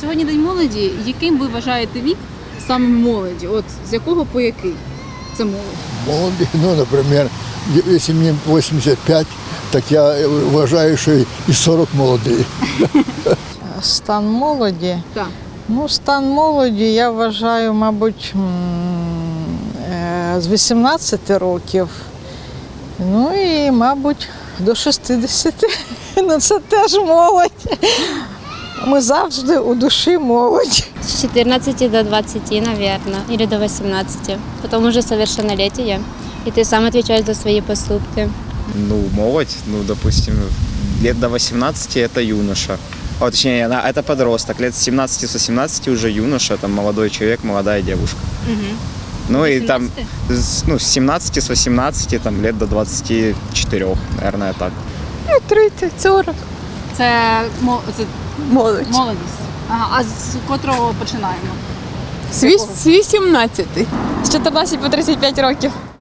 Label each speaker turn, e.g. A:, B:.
A: Сьогодні День молоді. Яким ви вважаєте вік саме молоді? От з якого по який це молодь?
B: Молоді, ну, наприклад, якщо мені 85, так я вважаю, що і 40 молодий.
C: Стан молоді?
A: Так.
C: Ну, стан молоді, я вважаю, мабуть, з 18 років. Ну і, мабуть, до 60. Ну, це теж молодь. Ми завжди у душі молодь.
D: С 14 до 20, наверное, или до 18. Потом уже совершеннолетие, и ты сам отвечаешь за свои поступки.
E: Ну, молодь, ну, допустим, лет до 18 это юноша. О, точнее, это подросток. Лет с 17-18 уже юноша, там молодой человек, молодая девушка. Ну и там, ну, с 17, с 18, там, лет до 24, наверное, так.
C: 30-40.
A: Це
C: Молодь.
A: молодість. Ага, а з котрого починаємо?
F: З 18. З 14 по 35 років.